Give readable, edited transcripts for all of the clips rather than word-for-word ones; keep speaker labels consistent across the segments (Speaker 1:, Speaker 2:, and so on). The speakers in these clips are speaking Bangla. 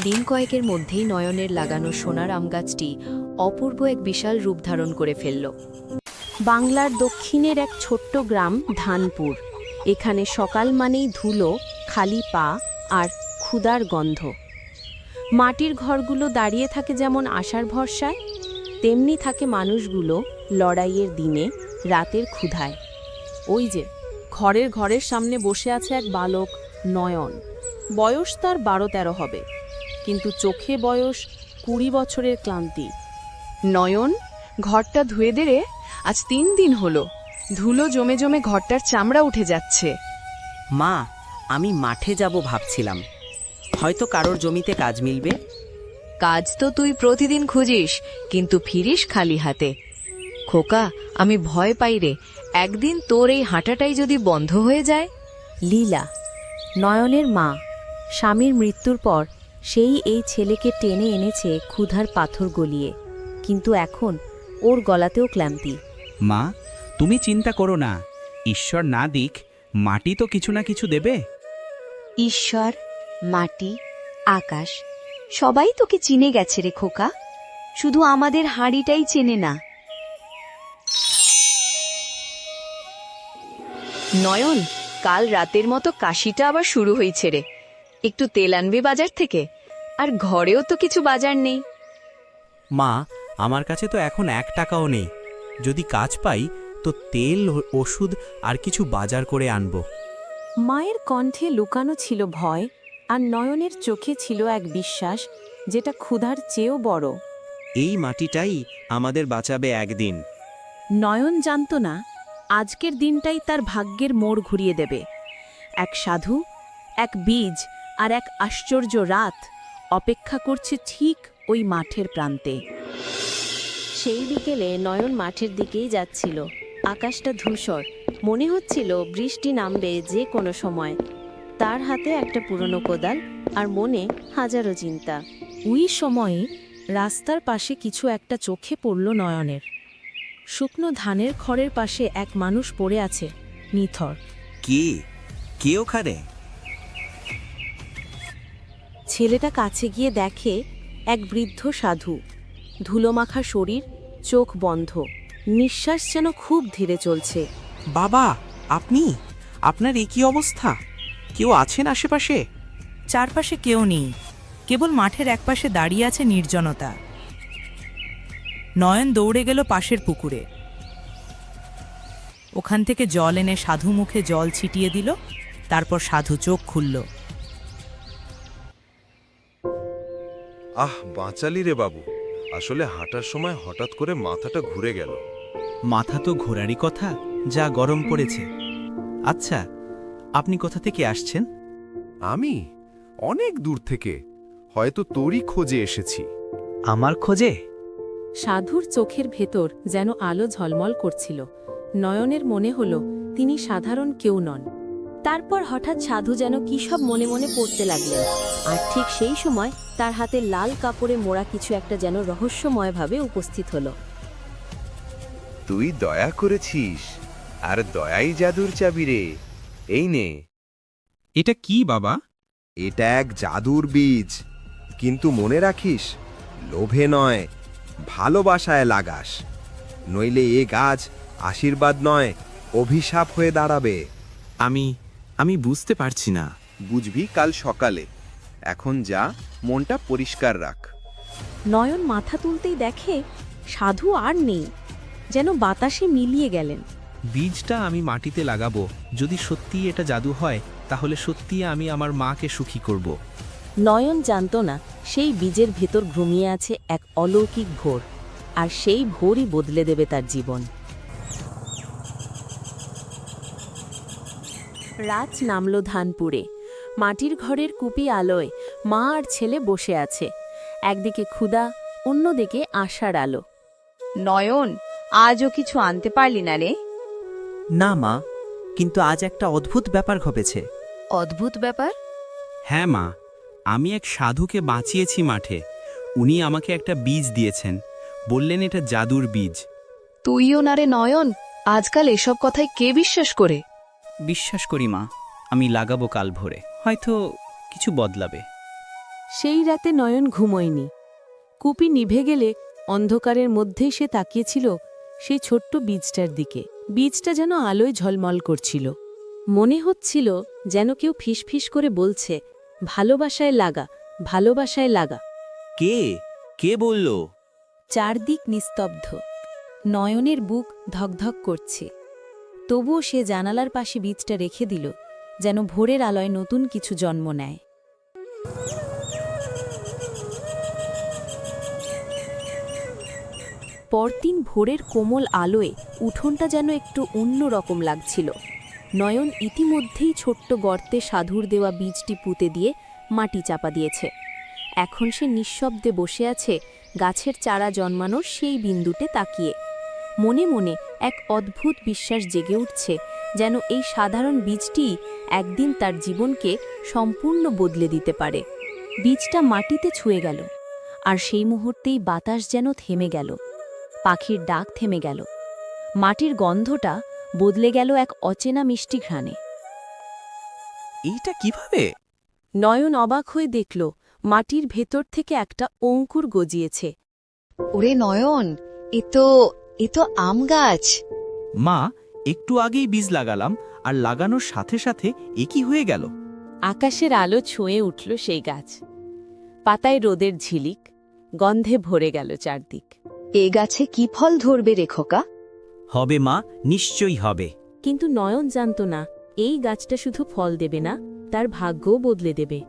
Speaker 1: দিন কয়েকের মধ্যেই নয়নের লাগানো সোনার আম গাছটি অপূর্ব এক বিশাল রূপ ধারণ করে ফেলল। বাংলার দক্ষিণের এক ছোট্ট গ্রাম ধানপুর। এখানে সকাল মানেই ধুলো, খালি পা আর ক্ষুধার গন্ধ। মাটির ঘরগুলো দাঁড়িয়ে থাকে যেমন আশার ভরসায়, তেমনি থাকে মানুষগুলো লড়াইয়ের দিনে, রাতের ক্ষুধায়। ওই যে ঘরের সামনে বসে আছে এক বালক নয়ন। বয়স তার 12-13 হবে, কিন্তু চোখে বয়স 20 বছরের ক্লান্তি।
Speaker 2: নয়ন, ঘরটা ধুয়ে দে রে, আজ 3 দিন হলো। ধুলো জমে জমে ঘরটার চামড়া উঠে যাচ্ছে।
Speaker 3: মা, আমি মাঠে যাব ভাবছিলাম, হয়তো কারোর জমিতে কাজ মিলবে।
Speaker 1: কাজ তো তুই প্রতিদিন খুঁজিস, কিন্তু ফিরিস খালি হাতে। খোকা, আমি ভয় পাই রে, একদিন তোর এই হাঁটাটাই যদি বন্ধ হয়ে যায়। লীলা, নয়নের মা, স্বামীর মৃত্যুর পর সেই এই ছেলেকে টেনে এনেছে ক্ষুধার পাথর গলিয়ে, কিন্তু এখন ওর গলাতেও ক্লান্তি।
Speaker 4: মা, তুমি চিন্তা করো না, ঈশ্বর না দিক মাটি তো কিছু না কিছু দেবে।
Speaker 5: ঈশ্বর, মাটি, আকাশ সবাই তোকে চিনে গেছে রে খোকা, শুধু আমাদের হাঁড়িটাই চেনে না।
Speaker 2: নয়ন, কাল রাতের মতো কাশিটা আবার শুরু হয়েছে রে। একটু তেল আনবে বাজার থেকে, আর ঘরেও তো কিছু বাজার নেই।
Speaker 6: মা, আমার কাছে তো এখন 1 টাকাও নেই। যদি কাজ পাই তো তেল, ওষুধ আর কিছু বাজার করে আনবো।
Speaker 1: মায়ের কণ্ঠে লুকানো ছিল ভয়, আর নয়নের চোখে ছিল এক বিশ্বাস যেটা ক্ষুধার চেয়েও বড়।
Speaker 6: এই মাটিটাই আমাদের বাঁচাবে একদিন।
Speaker 1: নয়ন জানত না আজকের দিনটাই তার ভাগ্যের মোড় ঘুরিয়ে দেবে। এক সাধু, এক বীজ আর এক আশ্চর্য রাত অপেক্ষা করছে ঠিক ওই মাঠের প্রান্তে। সেই বিকেলে নয়ন মাঠের দিকেই যাচ্ছিল। আকাশটা ধূসর, মনে হচ্ছিল বৃষ্টি নামবে যে কোনো সময়। তার হাতে একটা পুরনো কোদাল, আর মনে হাজারো চিন্তা। ওই সময়ে রাস্তার পাশে কিছু একটা চোখে পড়ল নয়নের। শুকনো ধানের খড়ের পাশে এক মানুষ পড়ে আছে, নিথর।
Speaker 6: কে ওখানে?
Speaker 1: ছেলেটা কাছে গিয়ে দেখে এক বৃদ্ধ সাধু, ধুলোমাখা শরীর, চোখ বন্ধ, নিঃশ্বাস যেন খুব ধীরে চলছে।
Speaker 6: বাবা, আপনি? আপনার এই কি অবস্থা? কেউ আছেন আশেপাশে?
Speaker 7: চারপাশে কেউ নেই, কেবল মাঠের একপাশে দাঁড়িয়ে আছে নির্জনতা। নয়ন দৌড়ে গেল পাশের পুকুরে। ওখান থেকে জল এনে সাধু মুখে জল ছিটিয়ে দিল, তারপর সাধু চোখ খুলল।
Speaker 8: বাঁচালি রে বাবু। আসলে হাঁটার সময় হঠাৎ করে মাথাটা ঘুরে গেল।
Speaker 6: মাথা তো ঘোরারই কথা, যা গরম পড়েছে। আচ্ছা, আপনি কোথা থেকে আসছেন?
Speaker 8: আমি অনেক দূর থেকে, হয়তো তোরই খোঁজে এসেছি।
Speaker 6: আমার খোঁজে?
Speaker 1: সাধুর চোখের ভেতর যেন আলো ঝলমল করছিল। নয়নের মনে হল তিনি সাধারণ কেউ নন। তারপর হঠাৎ সাধু যেন কী সব মনে মনে পড়তে লাগলেন, আর ঠিক সেই সময় তার হাতে লাল কাপড়ে মোড়া কিছু একটা যেন রহস্যময়ভাবে উপস্থিত হল।
Speaker 8: তুই দয়া করেছিস, আর দয়াই জাদুর চাবি রে। এই নে।
Speaker 4: এটা কি বাবা?
Speaker 8: এটা এক জাদুর বীজ, কিন্তু মনে রাখিস, লোভে নয়, ভালোবাসায় লাগাস, নইলে এ গাছ আশীর্বাদ নয়, অভিশাপ হয়ে দাঁড়াবে।
Speaker 6: আমি বুঝতে পারছি না।
Speaker 8: বুঝবি কাল সকালে। এখন যা, মনটা পরিষ্কার রাখ।
Speaker 1: নয়ন মাথা তুলতেই দেখে সাধু আর নেই, যেন বাতাসে মিলিয়ে গেলেন।
Speaker 4: বীজটা আমি মাটিতে লাগাবো। যদি সত্যিই এটা জাদু হয়, তাহলে সত্যিই আমি আমার মাকে সুখী করব।
Speaker 1: নয়ন জানত না সেই বীজের ভেতর ঘুমিয়ে আছে এক অলৌকিক ভোর, আর সেই ভোরই বদলে দেবে তার জীবন। রাত নামল ধানপুরে। মাটির ঘরের কুপি আলোয় মা আর ছেলে বসে আছে। একদিকে ক্ষুধা, অন্যদিকে আশার আলো।
Speaker 5: নয়ন, আজও কিছু আনতে পারলি না রে?
Speaker 3: না মা, কিন্তু আজ একটা অদ্ভুত ব্যাপার ঘটেছে।
Speaker 1: অদ্ভুত ব্যাপার?
Speaker 4: হ্যাঁ মা, আমি এক সাধুকে বাঁচিয়েছি মাঠে। উনি আমাকে একটা বীজ দিয়েছেন, বললেন এটা জাদুর বীজ।
Speaker 2: তুইও না রে নয়ন, আজকাল এসব কথায় কে বিশ্বাস করে?
Speaker 4: বিশ্বাস করি মা, আমি লাগাবো কাল ভোরে, হয়তো কিছু বদলাবে।
Speaker 1: সেই রাতে নয়ন ঘুমোয়নি। কুপি নিভে গেলে অন্ধকারের মধ্যেই সে তাকিয়েছিল সেই ছোট্ট বীজটার দিকে। বীজটা যেন আলোয় ঝলমল করছিল। মনে হচ্ছিল যেন কেউ ফিসফিস করে বলছে, ভালোবাসায় লাগা, ভালোবাসায় লাগা।
Speaker 4: কে কে বলল?
Speaker 1: চারদিক নিস্তব্ধ। নয়নের বুক ধকধক করছে। তবুও সে জানালার পাশে বীজটা রেখে দিল, যেন ভোরের আলোয় নতুন কিছু জন্ম নেয়। পরদিন ভোরের কোমল আলোয় উঠোনটা যেন একটু অন্য রকম লাগছিল। নয়ন ইতিমধ্যেই ছোট্ট গর্তে সাধুর দেওয়া বীজটি পুঁতে দিয়ে মাটি চাপা দিয়েছে। এখন সে নিঃশব্দে বসে আছে গাছের চারা জন্মানোর সেই বিন্দুতে তাকিয়ে। মনে মনে এক অদ্ভুত বিশ্বাস জেগে উঠছে, যেন এই সাধারণ বীজটি একদিন তার জীবনকে সম্পূর্ণ বদলে দিতে পারে। বীজটা মাটিতে ছুঁয়ে গেল, আর সেই মুহূর্তেই বাতাস যেন থেমে গেল। পাখির ডাক থেমে গেল। মাটির গন্ধটা বদলে গেল এক অচেনা মিষ্টি ঘ্রাণে।
Speaker 4: এইটা কিভাবে?
Speaker 1: নয়ন অবাক হয়ে দেখল মাটির ভেতর থেকে একটা অঙ্কুর গজিয়েছে।
Speaker 5: ওরে নয়ন, এ তো আম গাছ।
Speaker 4: মা, একটু আগেই বীজ লাগালাম, আর লাগানোর সাথে সাথে এ কি হয়ে গেল?
Speaker 1: আকাশের আলো ছুঁয়ে উঠল সেই গাছ। পাতায় রোদের ঝিলিক, গন্ধে ভরে গেল চারদিক।
Speaker 5: এ গাছে কি ফল ধরবে রে খোকা?
Speaker 4: হবে মা, নিশ্চয়ই হবে।
Speaker 1: কিন্তু নয়ন জানত না, এই গাছটা শুধু ফল দেবে না, তার ভাগ্যও বদলে দেবে।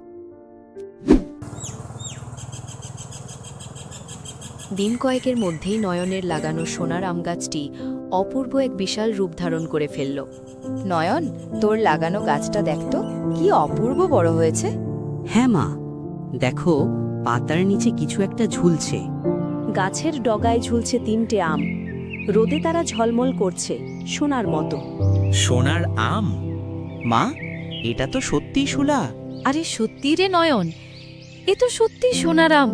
Speaker 2: দিন কয়েকের মধ্যেই নয়নের লাগানো সোনার আম গাছটি অপূর্ব এক বিশাল রূপ ধারণ করে ফেলল। নয়ন, তোর লাগানো গাছটা দেখতো কি অপূর্ব বড় হয়েছে।
Speaker 3: হ্যাঁ মা, দেখো পাতার নিচে কিছু একটা ঝুলছে।
Speaker 1: গাছের ডগায় ঝুলছে 3টে আম। রোদে তারা ঝলমল করছে সোনার মতো।
Speaker 4: সোনার আম? মা, এটা তো সত্যিই শোলা।
Speaker 2: আরে সত্যি রে নয়ন, এ তো সত্যি সোনার আম।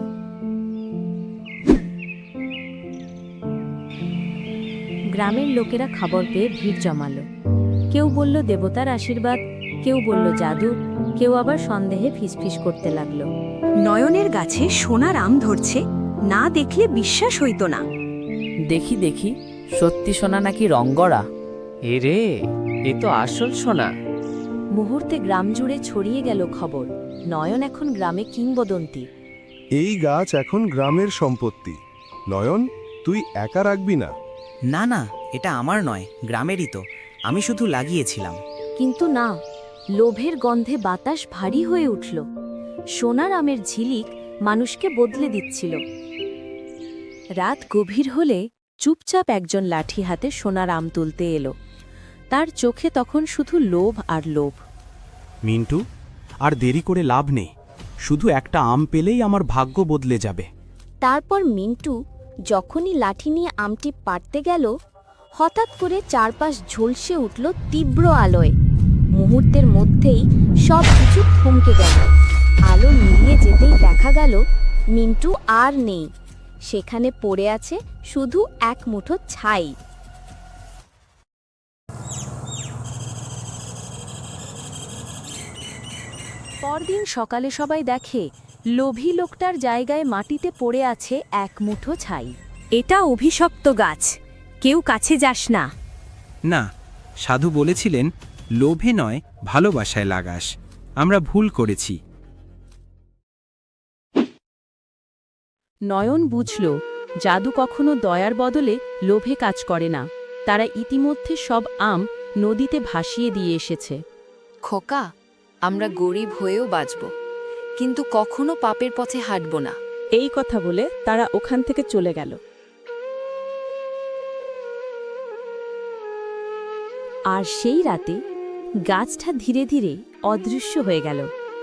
Speaker 1: গ্রামের লোকেরা খবর পেয়ে ভিড় জমালো। কেউ বলল দেবতার আশীর্বাদ, কেউ বলল জাদু, কেউ আবার সন্দেহে ফিসফিস করতে লাগলো।
Speaker 5: নয়নের গাছে সোনার আম ধরছে, না দেখলে বিশ্বাস হইত না।
Speaker 9: দেখি দেখি, সত্যি সোনা নাকি রঙ্গরা? এরে, এ তো আসল সোনা।
Speaker 1: মুহূর্তে গ্রাম জুড়ে ছড়িয়ে গেল খবর, নয়ন এখন গ্রামে কিংবদন্তি।
Speaker 10: এই গাছ এখন গ্রামের সম্পত্তি। নয়ন, তুই একা রাখবি না।
Speaker 3: না না, এটা আমার নয়, গ্রামেরই তো। আমি শুধু লাগিয়েছিলাম।
Speaker 1: কিন্তু না, লোভের গন্ধে বাতাস ভারী হয়ে উঠল। সোনার আমের ঝিলিক মানুষকে বদলে দিচ্ছিল। রাত গভীর হলে চুপচাপ একজন লাঠি হাতে সোনার আম তুলতে এলো। তার চোখে তখন শুধু লোভ আর লোভ।
Speaker 6: মিন্টু, আর দেরি করে লাভ নেই। শুধু একটা আম পেলেই আমার ভাগ্য বদলে যাবে।
Speaker 11: তারপর মিন্টু যখনই লাঠি নিয়ে আমটি পাড়তে গেল, হঠাৎ করে চারপাশ ঝলসে উঠল তীব্র আলোয়। মুহূর্তের মধ্যেই সব কিছু থমকে গেল। আলো মিলিয়ে যেতেই দেখা গেল মিন্টু আর নেই। সেখানে পড়ে আছে শুধু এক মুঠো ছাই।
Speaker 1: পরদিন সকালে সবাই দেখে লোভী লোকটার জায়গায় মাটিতে পড়ে আছে এক মুঠো ছাই। এটা অভিশপ্ত গাছ, কেউ কাছে যাস না।
Speaker 4: না, সাধু বলেছিলেন লোভে নয় ভালোবাসায় লাগাস। আমরা ভুল করেছি।
Speaker 1: নয়ন বুঝল, জাদু কখনো দয়ার বদলে লোভে কাজ করে না। তারা ইতিমধ্যে সব আম নদীতে ভাসিয়ে দিয়ে এসেছে।
Speaker 2: খোকা, আমরা গরিব হয়েও বাঁচব, কিন্তু কখনো পাপের পথে হাঁটব না।
Speaker 1: এই কথা বলে তারা ওখান থেকে চলে গেল। আর সেই রাতে গাছটা ধীরে ধীরে অদৃশ্য হয়ে গেল।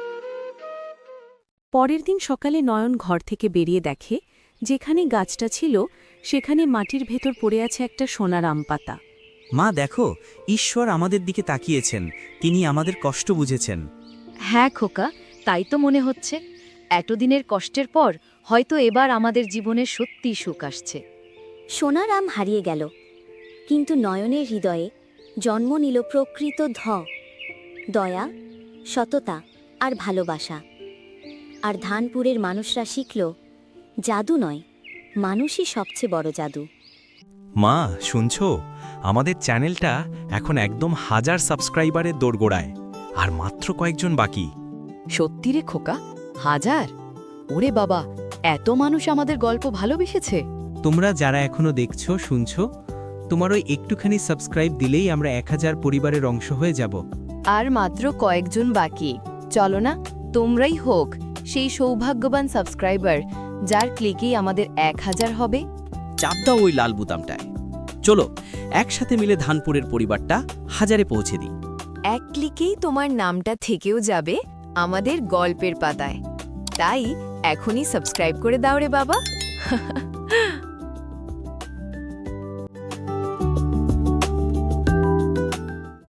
Speaker 1: পরের দিন সকালে নয়ন ঘর থেকে বেরিয়ে দেখে যেখানে গাছটা ছিল সেখানে মাটির ভেতর পড়ে আছে একটা সোনার আম পাতা।
Speaker 3: মা দেখো, ঈশ্বর আমাদের দিকে তাকিয়েছেন, তিনি আমাদের কষ্ট বুঝেছেন।
Speaker 2: হ্যাঁ খোকা, তাই তো মনে হচ্ছে। এতদিনের কষ্টের পর হয়তো এবার আমাদের জীবনে সত্যিই সুখ আসছে।
Speaker 11: সোনার আম হারিয়ে গেল, কিন্তু নয়নের হৃদয়ে জন্ম নিল প্রকৃত দয়া, সততা আর ভালোবাসা। আর ধানপুরের মানুষরা শিখল জাদু নয়, মানুষই সবচেয়ে বড় জাদু।
Speaker 6: মা শুনছো, আমাদের চ্যানেলটা এখন একদম 1000 সাবস্ক্রাইবারের দোরগোড়ায়, আর মাত্র কয়েকজন বাকি।
Speaker 2: সত্যি রে খোকা, 1000? ওরে বাবা, এত মানুষ আমাদের গল্প ভালোবেসেছে।
Speaker 6: তোমরা যারা এখনো দেখছো শুনছো, তোমার ওই একটুখানি সাবস্ক্রাইব দিলেই আমরা 1000 পরিবারের অংশ হয়ে যাব।
Speaker 2: আর মাত্র কয়েকজন বাকি। চলো না, তোমরাই হোক সেই সৌভাগ্যবান সাবস্ক্রাইবার যার ক্লিকেই আমাদের 1000 হবে।
Speaker 3: চাপ দাও ওই লাল বুতামটায়। চলো একসাথে মিলে ধানপুরের পরিবারটা 1000-এ পৌঁছে দিই।
Speaker 2: এক ক্লিকেই তোমার নামটা থেকেও যাবে আমাদের গল্পের পাতায়। তাই এখনই সাবস্ক্রাইব করে দাও রে বাবা।